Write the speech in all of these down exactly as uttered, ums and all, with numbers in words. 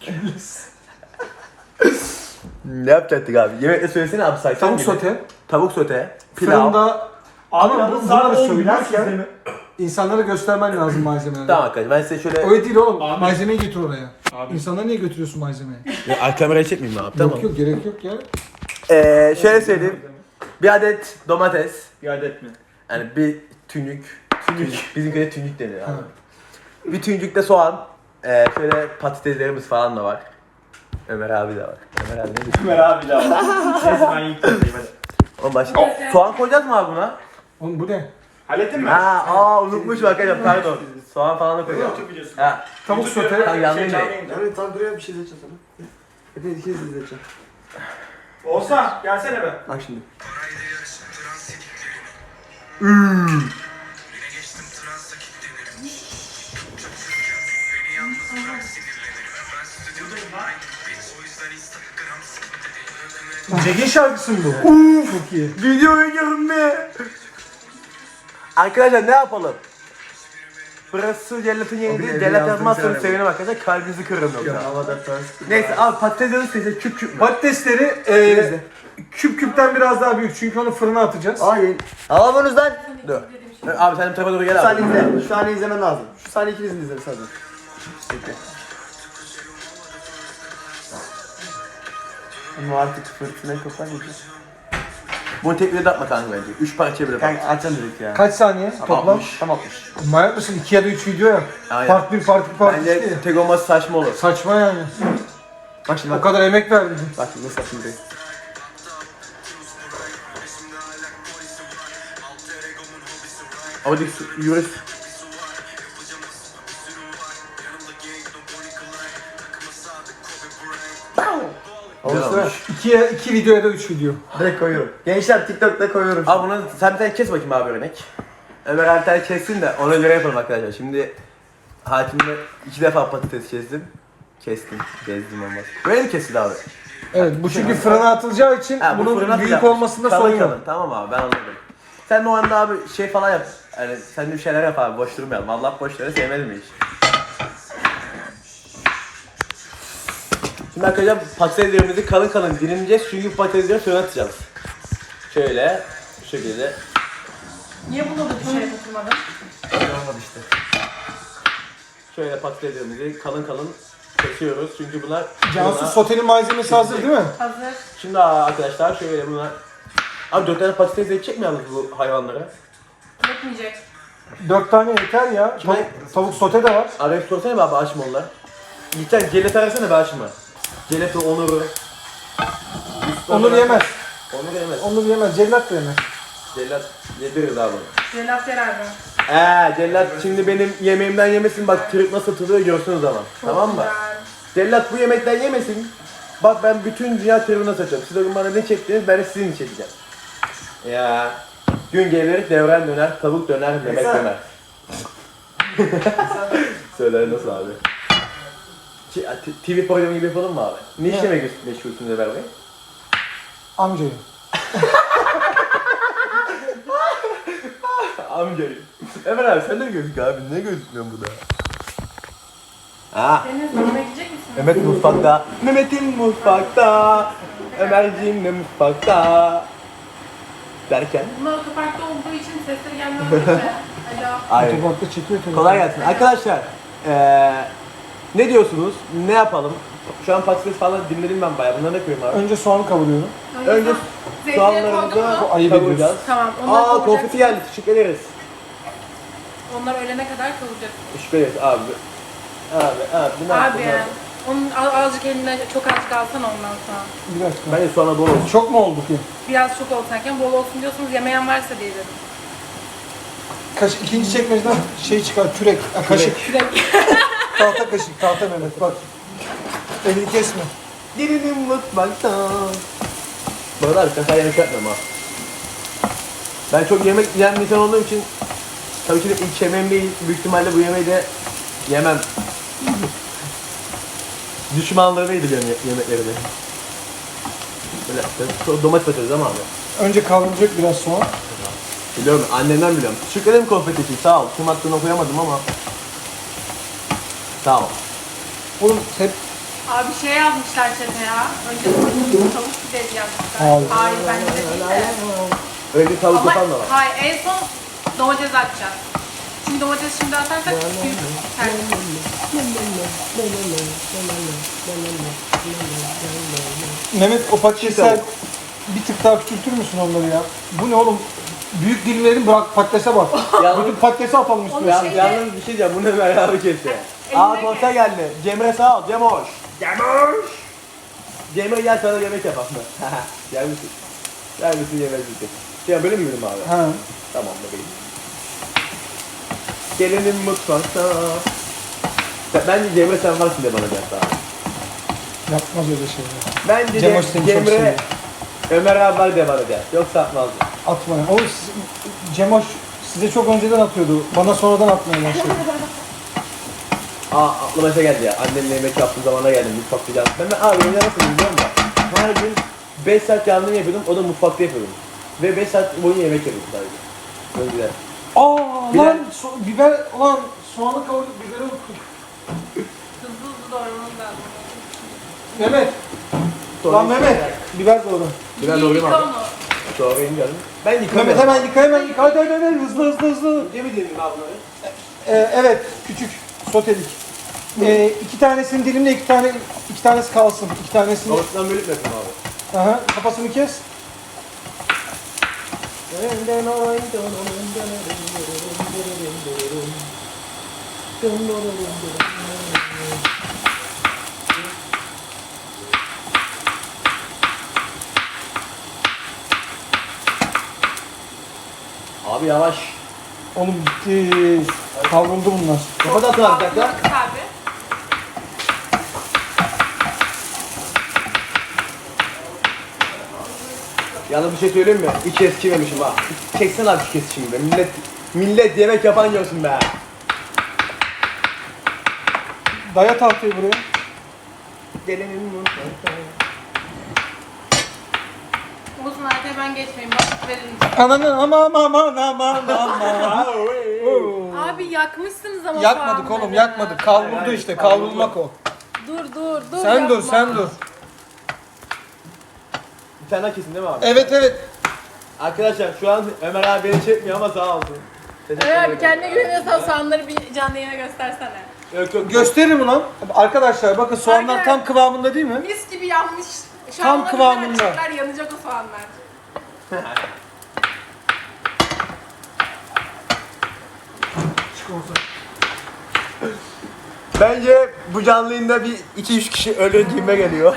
Ne yapacaktık abi? Yemekle söylesene abi saysan. Tavuk gibi. sote. Tavuk sote. Pilav. Fırında ama bu, bunları olmuyor, söylerken insanlara göstermen lazım malzemeleri. Tamam arkadaşlar ben size şöyle... Öyle değil oğlum. Abi. Malzemeyi getir oraya. Abi. İnsanlara niye götürüyorsun malzemeyi? Ya, kamerayı çekmeyeyim mi abi? Tamam. Yok yok gerek yok ya. Ee, şöyle söyleyeyim. Bir adet domates. Bir adet mi? Yani bir tünük. Tünük. Bizimkide tünük deniyor abi. Bir tünükte soğan. Ee, şöyle patateslerimiz falan da var. Ömer abi de var. Ömer abi ne diyor? Ömer abi de var. Neyse ben yıkayayım hadi. Oğlum başka... Soğan koyacağız mı abi buna? Oğlum bu ne? Hallettin mi? Ha, aa unutmuşum arkadaşlar pardon. Soğan falan da koyacağım. YouTube videosu. Ha. Tavuk sote. Tamam, yanlış Şey, değil. Yani tam buraya bir şey izleyeceğim sana. Hepiniz ikiniz izleyeceğim. Oğuzhan gelsene be. Bak şimdi. Cegin şarkısı mı bu? Çok iyi. Video oynuyorum be. Arkadaşlar ne yapalım? Burası Cellat'ın yeri değil. evde Cellat yazdım yazmazsanız sana. sevinirim arkadaşlar. Kalbinizi kırın Yok yoksa. havada ters. Neyse abi patates yazı size küp küp mü? Patatesleri e, küp küpten biraz daha büyük çünkü onu fırına atacağız. Hayır. Alamıyorsunuz lan. Dur. Abi sen bu tarafa doğru Şu gel abi. saniye izle. Şu saniye izlemen lazım. Şu saniye ikinizin izleriz hadi. Peki. Ama artık fırtınayı kopar gideceğiz. Bunu tek bir de atma kanka bence. Üç parçaya bile Kanka açalım dedik ya. Kaç saniye toplam? altmış. Tam altmış. Manyak mısın? iki ya da üç video yap. Aynen. Part bir, part iki, part iki Bence diye. tek olması saçma olur. Saçma yani. Bak şimdi O bak. kadar emek verdin. Bak şimdi nasıl şimdi. Ama dik yürü. Güzel Olsun. olmuş. iki, ya- iki video ya da üç video. Direkt koyuyorum. Gençler TikTok'ta koyuyorum. Abi bunu sen bir tane kes bakayım abi örnek. Ömer abi bir tane kessin de ona göre yapalım arkadaşlar. Şimdi hakimle iki defa patates kestim. Kestim. Kestim olmaz. Böyle mi kesildi abi? Evet bu çünkü fırına atılacağı için Ha, bu bunun fırına büyük atacağım. olmasında Kalın sorun yok. kalın. Tamam abi ben anladım. Sen de o anda abi şey falan yap. Yani sen de bir şeyler yap abi boş durmayalım. Allah boşları sevmedim hiç. Şimdi arkadaşlar patateslerimizi kalın kalın dilimleyeceğiz çünkü patatesleri fırına atacağız. Şöyle, bu şekilde. Niye buna da bir şey oturmadın? Olmadı işte. Şöyle patateslerimizi kalın kalın kesiyoruz çünkü bunlar Cansu fırına- sotenin malzemesi hazır değil mi? Hazır. Şimdi arkadaşlar şöyle bunlar. Abi dört tane patates yetecek mi yalnız bu hayvanlara? Yetmeyecek. Dört tane yeter ya. Kime- Tavuk, tavuk sote de var. Abi sorsana be abi açma onlar. Gideceksin celet arasana be açma. Celet'i Onur'u. Onur yemez. Onur yemez. Onur yemez. Cellat da yemez. Cellat yediririz abi. Celat yer abi. Eee cellat şimdi benim yemeğimden yemesin bak trip nasıl tutuluyor görsün o zaman. Çok Tamam mı? güzel. Cellat bu yemekten yemesin. Bak ben bütün dünya tribine saçıyorum. Siz o gün bana ne çektiniz ben de sizin çekeceğim. Ya gün gelir devren döner, tavuk döner, yemek Güzel. döner. Söyler nasıl abi? T- T V programı gibi yapalım mı abi? Ne işle meşgul- meşgulsünüz Ömer Bey? Amcayı. Amcayım. Ömer abi sen de mi gözük abi? Ne gözükmüyorsun burada? Ha. Deniz yemek yiyecek misin? Mehmet mutfakta. Mehmet'in mutfakta. Ömerciğim de mutfakta. Derken. Bunlar otoparkta olduğu için sesleri gelmiyor mu? Alo. Hayır. Otoparkta çekiyor tabii. Kolay gelsin. Arkadaşlar. Eee ne diyorsunuz? Ne yapalım? Şu an patates falan dinledim ben bayağı. Bunları ne koyayım abi? Önce soğanı kavuruyorum. Önce zeytinyağı koydun soğanlarımızı mu? ayıp kavuracağız. ediyorsun. Tamam. Onları Aa kavuracaksın. konfeti geldi. Teşekkür ederiz. Onlar ölene kadar kavuracaksın. Teşekkür ederiz abi. Abi abi. Bunlar, Abi bunlar. onun az- azıcık elinden çok azıcık alsana ondan sonra. Bir dakika. Bence soğana bol olsun. Çok mu oldu ki? Biraz çok olsanken bol olsun diyorsunuz yemeyen varsa diye dedim. Kaş, ikinci çekmeceden şey çıkar, kürek, ha, kaşık. Kürek. Tahta kaşık, tahta Mehmet bak. Elini kesme. Gelinin mutfakta. Bu arada abi sen yemek yapmıyorum ha. Ben çok yemek yiyen bir insan olduğum için tabii ki de ilk yemeğim değil. Büyük ihtimalle bu yemeği de yemem. Düşmanlarıydı benim yemekleri de. Böyle so- domates atıyoruz ama abi. Önce kavrulacak biraz soğan. Biliyorum annemden biliyorum. Teşekkür ederim konfeti için sağ ol. Kim attığını okuyamadım ama. Sağ ol. Oğlum hep Abi şey yazmışlar chat'e ya. Önce tavuk, tavuk pidesi yazmışlar. Hayır. Hayır bence de değil de. Öyle tavuk Ama yapan da var. hayır en son domates atacağız. Çünkü domates şimdi atarsak büyük terlik. Mehmet o patatesler bir tık daha küçültür müsün onları ya? Bu ne oğlum? Büyük dilimlerin bırak patatese bak. Yalnız- Bütün patatesi atalım üstüne. Ya, yalnız bir şey diyeceğim, bu ne beraber kesti. Aa Elindeki- konser geldi. Cemre sağ ol, Cemoş. Cemoş. Cemre gel sana yemek yapalım. Gel misin? Gel misin yemek misin? Şey böyle mi yürüdüm abi? Ha. Tamam bebeğim. Gelelim mutfakta. Sen- Bence Cemre sen varsın de bana gel daha. Yapmaz öyle şeyler. Bence Cemoş de seni çok Cemre, seviyor. Ömer abi var de bana gel. Yoksa atmazdı. Atma ya. O siz- Cemoş size çok önceden atıyordu. Bana sonradan atmaya başladı. Aa aklıma şey geldi ya. Annemle yemek yaptığım zamana geldim. Mutfakta canlı. Ben, ben abi evde nasıl biliyor musun? Her gün beş saat canlı yapıyordum. O da mutfakta yapıyordum. Ve beş saat boyunca yemek yapıyordum sadece. Önceden. Aa Biber- lan so- biber lan soğanı kavurduk biberi unuttuk. Hızlı hızlı doğramamız lazım. Mehmet. Sonra Lan Mehmet. Biber doğru. Biraz İyi doğrayayım yıka abi. onu. Sonra ineceğim. Ben yıkamıyorum. Mehmet hemen yıka hemen yıka. Hadi hadi hadi hızlı hızlı hızlı. Ne bileyim abi bunları? Ee, evet küçük sotelik. Ee, iki tanesini dilimle iki tane iki tanesi kalsın. İki tanesini. Ortadan bölüp yapayım abi. Aha, kafasını kes. Abi yavaş. Oğlum gitti. Kavruldu bunlar. Kapat atın abi bir dakika. Kıt abi. Yalnız bir şey söyleyeyim mi? Hiç eskimemişim ha. Çeksene abi şu kesişimi be. Millet, millet yemek yapan görsün be. Daya tahtayı buraya. Gelelim mutfakta. Uzun arkaya ben geçmeyeyim. Bak verin. Ananı aman aman aman aman. Abi yakmışsınız ama Yakmadık soğanları. oğlum yakmadık. Kavruldu işte kavrulmak o. Dur dur dur. Sen dur yapma. sen dur. Bir tane daha kesin değil mi abi? Evet evet. Arkadaşlar şu an Ömer abi beni çekmiyor ama sağ olsun. Teşekkür Evet ederim. abi kendine güveniyorsan soğanları bir canlı yayına göstersene. Yok yok. Gösteririm ulan. Arkadaşlar bakın soğanlar Arkadaşlar- tam kıvamında değil mi? Mis gibi yanmış. Şu Tam an ona kıvamında. biber atacaklar, yanacak o soğanlar. Bence bu canlı yayında bir iki üç kişi ölür gibime geliyor.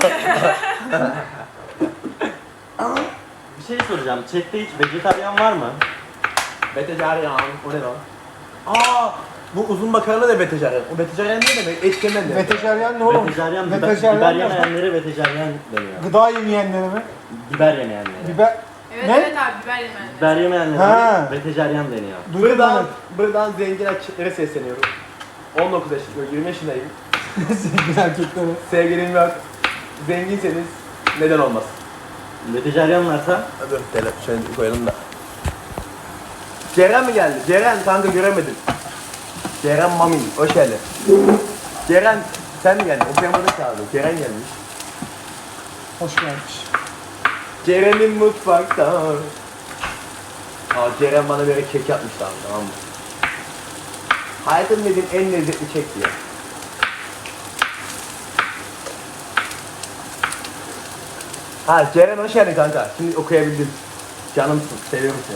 Bir şey soracağım. Chat'te hiç vejetaryen var mı? Vejetaryen. O ne lan? Aa, bu uzun makarna da vejetaryen. O vejetaryen ne demek? Et yemen demek. Vejetaryen ne oğlum? Vejetaryen, biber, Vejetaryen biber ne? yemeyenlere vejetaryen deniyor. Gıda yemeyenlere mi? Biber yemeyenlere. Biber. Evet Ne? evet abi biber yemeyenler. Biber Ha. yemeyenlere vejetaryen deniyor. Duydum Buradan, Mehmet. buradan zengin erkeklere sesleniyorum. on dokuz yaşındayım, yirmi yaşındayım. Zengin erkeklere. Sevgilim yok. Zenginseniz neden olmaz? Vejetaryen varsa Dur, telefon şöyle koyalım da. Ceren mi geldi? Ceren kanka göremedim. Ceren Mami, hoş geldin. Ceren sen mi geldin? Okuyamadın ki abi. Ceren gelmiş. Hoş gelmiş. Ceren'in mutfakta. Aa Ceren bana böyle kek yapmıştı abi, tamam mı? Hayatım dediğim en lezzetli kek diye. Ha Ceren hoş geldin kanka. Şimdi okuyabildim. Canımsın, seviyorum seni.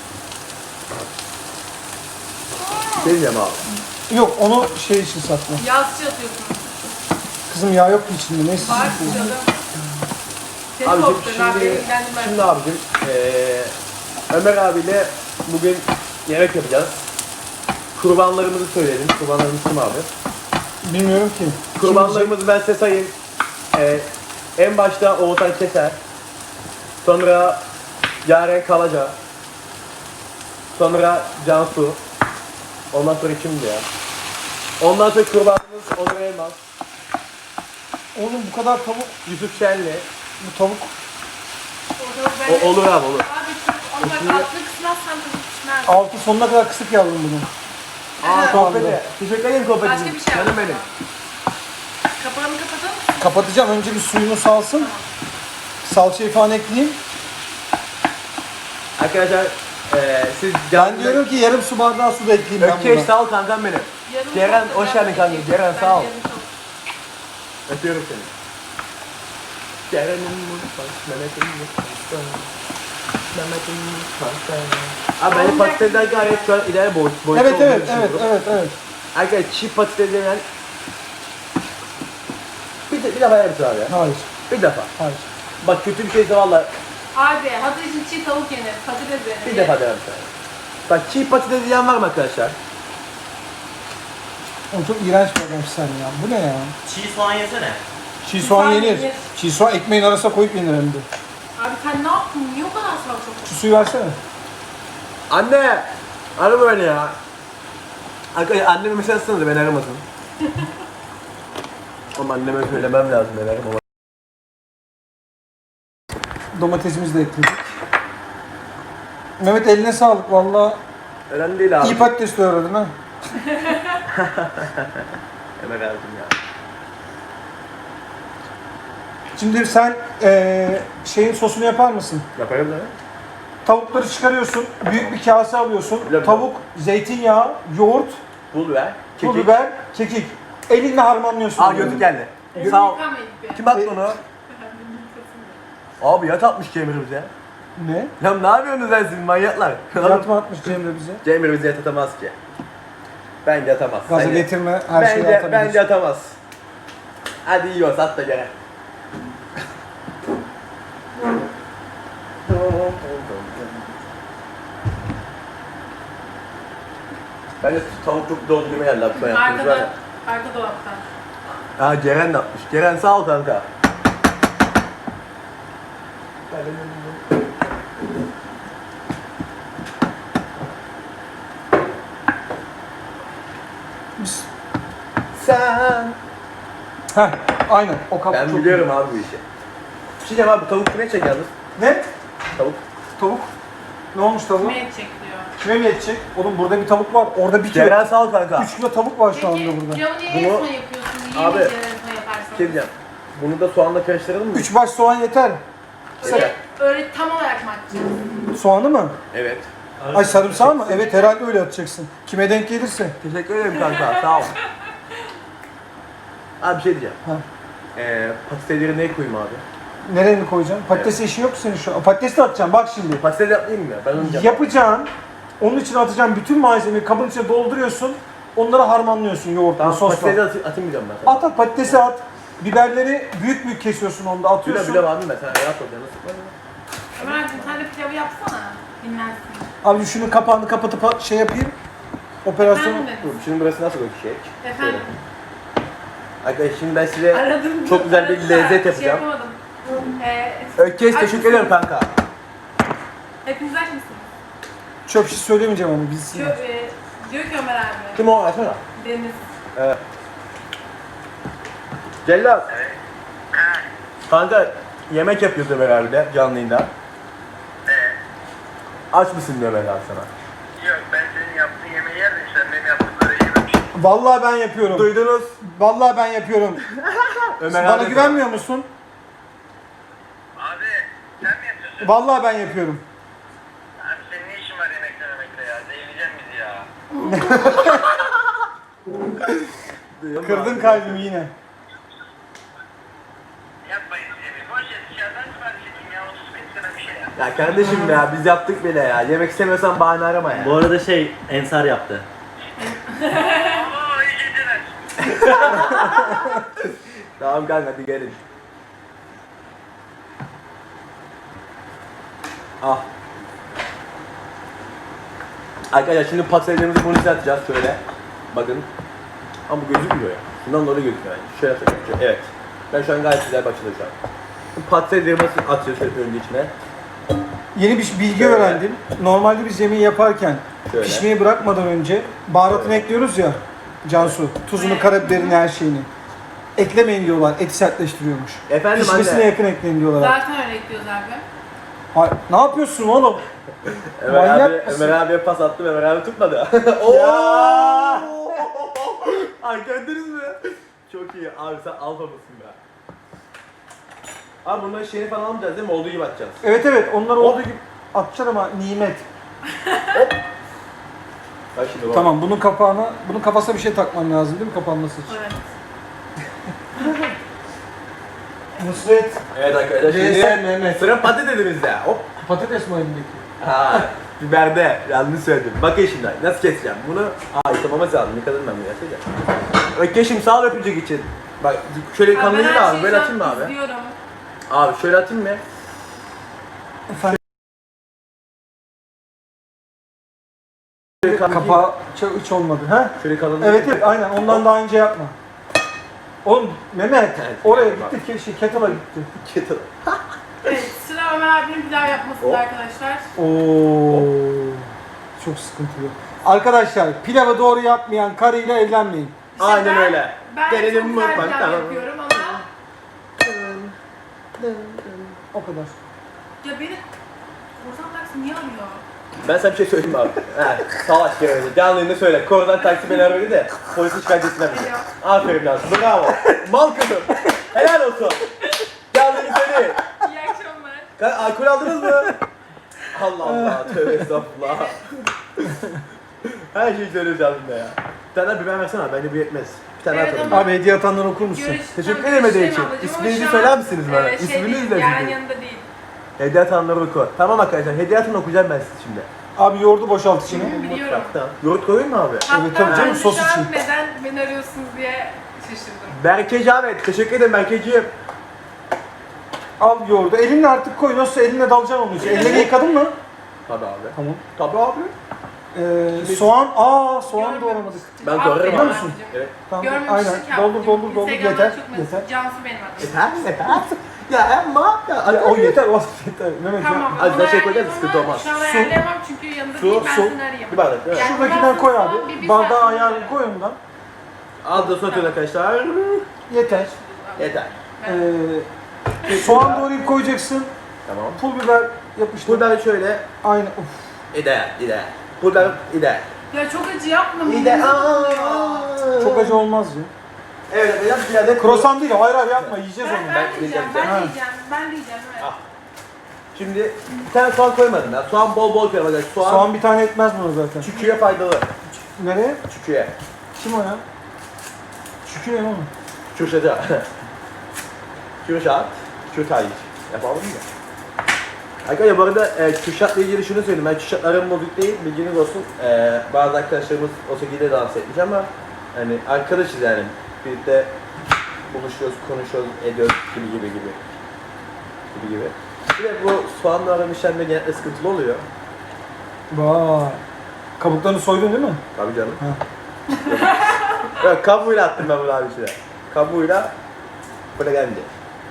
Şey diyeceğim abi. Yok onu şey için sakla. Yağ sıçı atıyorsunuz. Kızım yağ yok ki içinde neyse. Var sıçradım. Seni Abicim korkutun abi. şimdi, ilgilendirmez. şimdi abicim eee Ömer abiyle bugün yemek yapacağız. Kurbanlarımızı söyleyelim. Kurbanlarımız kim abi? Bilmiyorum ki. Kurbanlarımızı ben size sayayım. Eee en başta Oğuzhan Keser. Sonra Yaren Kalaca. Sonra Cansu. Ondan sonra kimdi ya? Ondan sonra kurbanımız Onur Elmas. Oğlum bu kadar tavuk, Yusuf Şenli. bu tavuk. Orada O, ben... olur abi olur. Abi onu bak Şimdi- altını kısmazsan tadı pişmez. Altı sonuna kadar kısık yavrum bunu. Aa Evet. Kopede. Teşekkür ederim Kopede. Başka bir şey Canım yapma. benim. Kapağını kapatalım. Kapatacağım. Önce bir suyunu salsın. Salçayı falan ekleyeyim. Arkadaşlar eee siz Ben diyorum ki yarım su bardağı su da ekleyeyim ben Ökeş buna. sağ ol kankam benim. Yarım Ceren, çok hoş güzel geldin kanka. bir Ceren, Ben sağ ol. yarım çok- Öpüyorum seni. Ceren'in mutfak, Mehmet'in mutfakta. Mehmet'in mutfakta. Abi bence patatesler gayet şu an ileri boy, boyutta Evet olduğunu evet evet düşünüyorum. evet evet. Arkadaşlar çiğ patates yenen bir, de, bir defa yer misin abi ya? Hayır. Bir defa. Hayır. Bak kötü bir şeyse valla Abi hazır için çiğ tavuk yenir. Patates yenir. bir defa derim sana. Bak çiğ patates yiyen var mı arkadaşlar? Oğlum çok iğrenç bir adamsın sen ya. Bu ne ya? Çiğ soğan yesene. Çiğ soğan soğan yenir. yenir. Çiğ soğan ekmeğin arasına koyup yenir hem de. Abi sen ne yaptın? Niye o kadar salça koydun? Şu suyu versene. Anne! Arama beni ya. Arkadaşlar annemi mesela ısınırdı beni aramasın. Ama anneme söylemem lazım ben aramam. Domatesimizi de ekledik. Mehmet eline sağlık valla. Önemli değil abi. İyi patates doğradın ha. Hemen aldım ya. Şimdi sen eee şeyin sosunu yapar mısın? Yaparım da. Tavukları çıkarıyorsun, büyük bir kase alıyorsun. Bilemem. Tavuk, zeytinyağı, yoğurt, Pul ver. pul Kekik. biber, kekik. Elinle harmanlıyorsun. Aa bunları. gözlük geldi. Elini Sağ ol. yıkamayıp be. Kim attı onu? Abi yat atmış Cemre bize. Ne? Ya ne yapıyorsunuz lan siz manyaklar? Yatma atmış Cemre bize. Cemre bize yat atamaz ki. Bence atamaz. Gaza Bence- getirme, her şeyi bence, atabilirsin. bence atamaz. Hadi yiyoruz at da gene. Bence tavuk çok doğru gibi geldi abi. Şu an yaptığımız var Arkada, ya. arka dolaptan. Ha Ceren de atmış. Ceren sağ ol kanka. Biz- Sen. Heh, aynen. O kapı Ben çok biliyorum abi bu işi. Bir şey diyeceğim abi bu tavuk kime çek yalnız? Ne? Tavuk. Tavuk. Ne olmuş tavuğun? Kime yetecek diyor. Kime mi yetecek? Oğlum burada bir tavuk var. Orada bir kilo. Ceren sağ ol kanka. üç kilo tavuk var şu anda Peki burada. pilavı niye Bunu- yarısına yapıyorsun? Niye Abi, bir yarısına yaparsan? Bir şey diyeceğim. Bunu da soğanla karıştıralım mı? üç baş soğan yeter. Öyle, öyle tam olarak mı atacaksın? Soğanı mı? Evet. Ay sarımsağı mı? Evet herhalde öyle atacaksın. Kime denk gelirse. Teşekkür ederim kanka sağ ol. Abi bir şey diyeceğim. Ha. Ee, patatesleri neye koyayım abi? Nereye mi koyacaksın? Patates işi yok senin şu an. Patates de atacaksın bak şimdi. Patates yapmayayım mı ya? Ben onu yapacağım. Yapacağın, onun için atacağın bütün malzemeyi kabın içine dolduruyorsun. Onları harmanlıyorsun yoğurtla, Tamam sosla. patatesi atayım, atayım diyeceğim ben sana. At at patatesi at. Biberleri büyük büyük kesiyorsun onda Bile atıyorsun. bile abi ben sana rahat ol ya nasıl? Ömerciğim sen de pilavı yapsana. Dinlensin. Abi şunun kapağını kapatıp şey yapayım. Operasyonu. Efendim? Dur şimdi burası nasıl öküşecek? Efendim? Arkadaşlar şimdi ben size Aradım. çok güzel bir aradılar. lezzet Şey yapacağım. yapamadım. Ee, Ökkeş aç teşekkür mısınız? ederim kanka. Hepiniz aç mısınız? Çok bir şey söylemeyeceğim ama biz. Diyor, e, diyor ki Ömer abi. Kim o? Açsana. Deniz. Evet. Cellat. Kanka yemek yapıyoruz Ömer abi de canlı yayında. Aç mısın diyor Ömer abi sana. Yok ben senin yaptığın yemeği yerdim sen benim yaptıkları yememişsin. Vallahi ben yapıyorum. Duydunuz. Vallahi ben yapıyorum. Ömer Bana abi. güvenmiyor musun? Abi sen mi yapıyorsun? Vallahi ben yapıyorum. Abi senin ne işin var yemek yemekle ya? Zehirleyeceksin bizi ya. Kırdın kalbimi yine. Yapmayın yemeği. Boş ver dışarıdan sipariş edeyim ya. otuz bin lira bir şey ya. Ya kardeşim ya biz yaptık bile ya. Yemek istemiyorsan bahane arama ya. Bu arada şey Ensar yaptı. Oo iyi geceler. Tamam kanka hadi gelin. Ah. Arkadaşlar şimdi patateslerimizi bunun içine atacağız şöyle. Bakın. Ama bu gözükmüyor ya. Şundan dolayı gözükmüyor yani. Şöyle atacağım. Şöyle. Evet. Ben şu an gayet güzel başladım şu an. Bu patateslerimizi atıyoruz şöyle önce içine. Yeni bir bilgi Şöyle. öğrendim. Normalde biz yemeği yaparken Şöyle. pişmeyi bırakmadan önce baharatını ekliyoruz ya. Cansu, tuzunu, karabiberini, her şeyini. Eklemeyin diyorlar, eti sertleştiriyormuş. Efendim Pişmesine anne. yakın ekleyin diyorlar. Zaten öyle ekliyoruz abi. Hay, ne yapıyorsun oğlum? Ömer Manyak abi, mısın? Ömer abiye pas attım, Ömer abi tutmadı. Ya! Ay gördünüz mü? Çok iyi. Abi sen alfa mısın be? Abi bunların şeyini falan almayacağız değil mi? Olduğu gibi atacağız. Evet evet onlar olduğu gibi atacaksın ama nimet. Bak şimdi bak. Tamam bunun kapağına, bunun kafasına bir şey takman lazım değil mi kapanması için? Evet. Nusret. Evet arkadaşlar Neyse, şimdi Mehmet. sıra patatesimizde. Hop. Patates mi elindeki? Ha, biberde. Yanlış söyledim. Bakın şimdi nasıl keseceğim bunu. Aa yıkamamız lazım. Yıkadım ben bunu gerçekten. Öyle şimdi sağ ol öpücük için. Bak şöyle Abi ben kanlıyı da her abi. şeyi Böyle şu an atayım mı abi? izliyorum. Abi şöyle atayım mı? Şöyle kanlıyı- Kapağı çok hiç olmadı. Ha? Şöyle kalınlığı. Evet evet aynen ondan daha önce yapma. Oğlum Mehmet Evet, oraya yapma. gitti ki şey kettle'a gitti. Kettle. Evet, sıra Ömer abinin pilav yapmasında Hop. arkadaşlar. Oo. Çok sıkıntılı. Arkadaşlar pilavı doğru yapmayan karıyla evlenmeyin. İşte Aynen ben- öyle. Ben Gelelim çok güzel mutfaktan. pilav yapıyorum ama O kadar. ya beni korsan taksi niye arıyor? Ben sana bir şey söyleyeyim abi. He, savaş görevli. Canlı yayında söyle. Korudan taksi beni aradı de polisi şikayet etsinler bizi. Aferin lan. Bravo. Mal kızım. Helal olsun. Canlı yayında söyle. İyi akşamlar. Ka- Alkol aldınız mı? Allah Allah. Tövbe estağfurullah. Her şeyi söylüyor canlı yayında ya. Bir tane biber versene abi. Bence bu yetmez. Bir tane Evet, atalım. ama- Abi hediye atanları okur musun? Görüş, Teşekkür tam ederim hediye görüşeceğim için. ablacığım ama İsminizi şu söyler an, misiniz bana? e, şey İsminiz değil, de Yarın sizin. yanında değil. Hediye atanları oku. Tamam arkadaşlar. Hediye atan okuyacağım ben size şimdi. Abi yoğurdu boşalt içine. Biliyorum. Tamam. Yoğurt koyayım mı abi? Hatta Evet, tabii canım, ben de sos şu an için. neden beni arıyorsunuz diye şaşırdım. Berke Cavet. Teşekkür ederim Berkeciğim. Al yoğurdu. Elinle artık koy. Nasıl elinle dalacaksın onun için. Elleri yıkadın mı? Tabii abi. Tamam. Tabii abi. Ee, soğan. Aa soğan Görmemiş. doğramadık. Ben Aferin doğrarım Biliyor abi. musun? abicim. Evet. Tamam. Görmemişlik Aynen. yaptım. Doldur doldur doldur. Instagram'dan Yeter. çok mesaj. Yeter. Cansu benim adım. Yeter yeter. Ya Emma. Ya, Ya, o yeter. O yeter. Mehmet ya. Tamam. Az onu daha şey koyacağız, ayarlayamam sıkıntı ama olmaz. Şu an Su. ayarlayamam çünkü yanında Su, değil ben su. seni arayayım. Bir bardak değil mi? Yani Şuradakinden koy ben abi. bir- bir Bardağı saat ayarlı sonra- koy ondan. Az da sonra atıyoruz arkadaşlar. Yeter. Yeter. Ee, soğan doğrayıp koyacaksın. Tamam. Pul biber yapıştır. Burada şöyle. Aynen. Uf. İdeal, ideal. Burada ideal. Ya çok acı yapma. İdeal. Çok acı olmaz ya. Evet arkadaşlar bir adet. Krosan değil o. Hayır hayır yapma. Yiyeceğiz Ben, onu. ben, Ben diyeceğim, yiyeceğim. ben Ha. diyeceğim, ben diyeceğim, evet. Ah. Şimdi bir tane soğan koymadım ya. Soğan bol bol koyalım arkadaşlar. Soğan, Soğan bir tane etmez buna zaten. çüküye faydalı. Nereye? Çüküye. Kim o ya? Şükür ne oğlum? Kürşat'a. Kürşat. Kürtaj. Yapalım mı? Arkadaşlar bu arada e, Kürşat'la ilgili şunu söyleyeyim. Ben Kürşat'ların bozuk değil, bilginiz olsun. E, bazı arkadaşlarımız o şekilde dans etmiş ama hani arkadaşız yani. Birlikte buluşuyoruz, konuşuyoruz, ediyoruz gibi gibi gibi. Gibi gibi. Bir de bu soğanla aram işlemde genellikle sıkıntılı oluyor. Vay. Kabuklarını soydun değil mi? Tabii canım. Ha. Yok, kabuğuyla attım ben bunu abi içine. Kabuğuyla böyle geldi.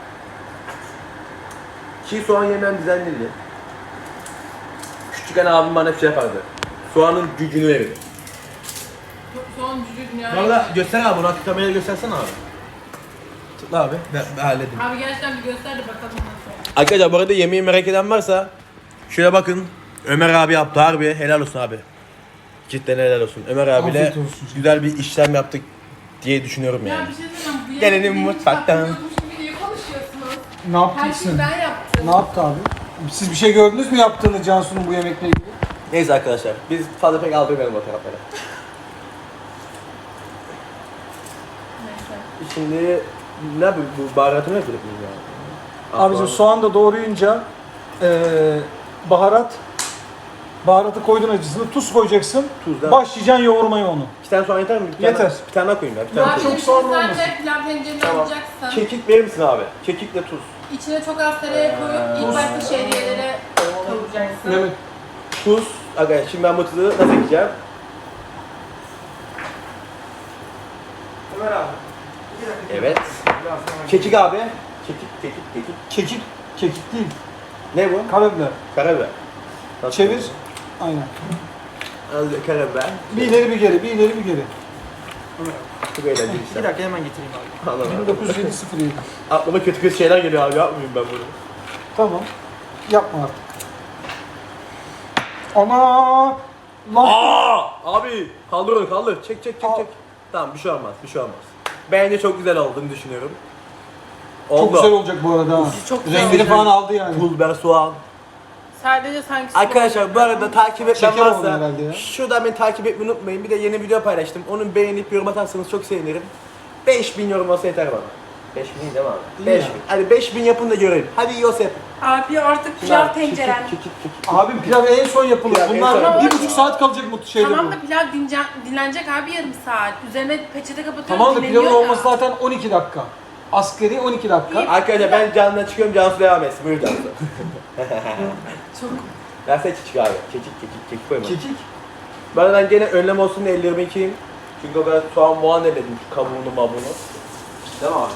Çiğ soğan yemeyen düzenliydi. Küçükken abim bana bir şey yapardı. Soğanın gücünü verirdi. Son cücü dünya. Bu arada göster abi bunu, kameraya göstersene abi. Tıkla abi, ben, ben halledeyim. Abi gerçekten bir göster de bakalım nasıl. Arkadaşlar bu arada yemeği merak eden varsa şöyle bakın. Ömer abi yaptı harbi, helal olsun abi. Cidden helal olsun. Ömer abiyle Afiyet olsun. güzel bir işlem yaptık diye düşünüyorum Ya yani. bir şey söyleyeceğim. Bu Gelelim yemek benim mutfaktan. yapmıyormuş gibi niye konuşuyorsunuz? Ne Her şeyi yaptın? ben yaptım. Ne yaptı abi? Siz bir şey gördünüz mü yaptığını Cansu'nun bu yemekle ilgili? Neyse arkadaşlar, biz fazla pek aldırmayalım o taraflara. Neyse. Şimdi ne bu, bu baharatı ne yapıyorduk biz ya? Abicim soğan da doğrayınca eee baharat baharatı koydun acısını, tuz koyacaksın. Tuz da. Başlayacaksın yoğurmaya onu. İki tane soğan yeter mi? Bir tane, Yeter. Bir tane daha koyayım ya. Bir tane Abi koyayım. bir şey soğan olmasın. sadece pilav tencereni Tamam. alacaksın. Kekik verir misin abi? Kekikle tuz. İçine çok az tereyağı koyup ilk başta şehriyelere kavuracaksın. Evet. Tuz. Arkadaşlar şimdi ben bu tuzu nasıl ekeceğim? Ömer abi. Evet. Kekik abi. Kekik, kekik, kekik. Kekik, kekik değil. Ne bu? Karabiber. Karabiber. Nasıl? Çevir. Aynen. Az karabiber. Bir ileri bir geri, bir ileri bir geri. Çok eğlenceli Bir işler. dakika hemen getireyim abi. Anladım. bin dokuz yüz yedi. Aklıma kötü kötü şeyler geliyor abi, yapmayayım ben bunu. Tamam. Yapma artık. Ana! Lan! Aa! Abi kaldır onu kaldır. Çek çek çek Al. çek. Tamam bir şey olmaz bir şey olmaz. Bence çok güzel olduğunu düşünüyorum. Çok Oldu. güzel olacak bu arada. ha. Çok güzel Rengini olacak. falan aldı yani. Pul biber, soğan. Sadece sanki Arkadaşlar bu arada takip etmem Şeker oldu varsa herhalde ya. şuradan beni takip etmeyi unutmayın. Bir de yeni video paylaştım. Onu beğenip yorum atarsanız çok sevinirim. beş bin yorum olsa yeter bana. beş bin değil mi abi? İyi beş ya. bin. Hadi beş bin yapın da görelim. Hadi Yosef. Abi artık pilav tencerem. Abim pilav en son yapılır. Pilav en Bunlar son bir yapılır. buçuk saat kalacak bu şeyde Tamam bu. da pilav dince, dinlenecek abi yarım saat. Üzerine peçete kapatıyoruz, Tamam da dinleniyor pilavın ya. olması zaten on iki dakika. Askeri on iki dakika. İyi. Arkadaşlar ben Cansu'dan çıkıyorum. Cansu devam etsin. Buyur Cansu. Çok Versene çiçek abi. Kekik kekik kekik koyma. Kekik. Bu arada ben gene önlem olsun diye ellerimi yıkayayım. Çünkü o kadar soğan muğan eledim şu kabuğunu mabuğunu. Değil mi abi?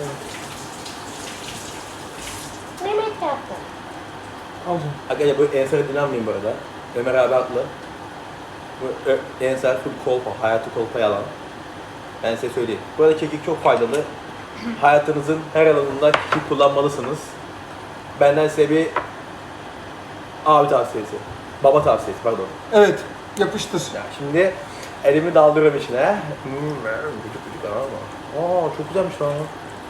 Mehmet yaptı. Al canım. Arkadaşlar bu Ensar'ı dinlenmeyin bu arada. Ömer abi haklı. Bu Ö- Ensar full kolpa, hayatı kolpa yalan. Ben size söyleyeyim. Bu arada kekik çok faydalı. Hayatınızın her alanında kekik kullanmalısınız. Benden size bir abi tavsiyesi. Baba tavsiyesi pardon. Evet, yapıştır. Ya şimdi elimi daldırıyorum içine. Hmm, gıcık gıcık ama. Aa çok güzelmiş lan.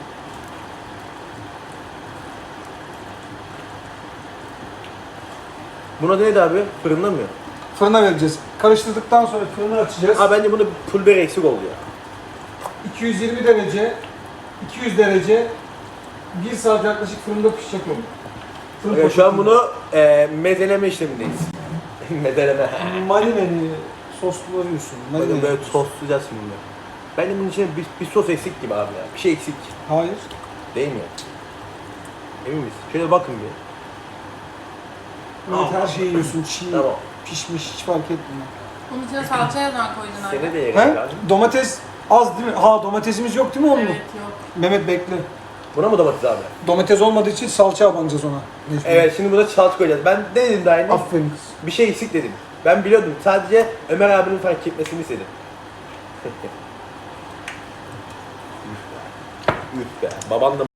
Buna neydi abi? Fırında mı? Fırına vereceğiz. Karıştırdıktan sonra fırını açacağız. Aa bence bunu pul biber eksik oldu ya. iki yüz yirmi derece, iki yüz derece, bir saat yaklaşık fırında pişecek o. Fırın Evet, şu an poşetinde. bunu e, mezeleme işlemindeyiz. mezeleme. Marineli sos kullanıyorsun. Bakın Marineli. böyle soslayacağız şimdi. Bence bunun içine bir, bir sos eksik gibi abi ya. Bir şey eksik. Hayır. Değil mi? Emin miyiz? Şöyle bakın bir. Evet, her şeyi yiyorsun. Çiğ, Tamam. pişmiş, hiç fark etmiyor. Bunun içine salça neden koydun abi? Seni de yerim He? abi. Domates az değil mi? Ha, domatesimiz yok değil mi onun? Evet yok. Mehmet bekle. Buna mı domates abi? Domates olmadığı için salça abanacağız ona. Mecbur. Evet şimdi buna salça koyacağız. Ben ne dedim daha yeni? Aferin kız. Bir şey eksik dedim. Ben biliyordum. Sadece Ömer abinin fark etmesini istedim. Üf be. Üf be. Baban da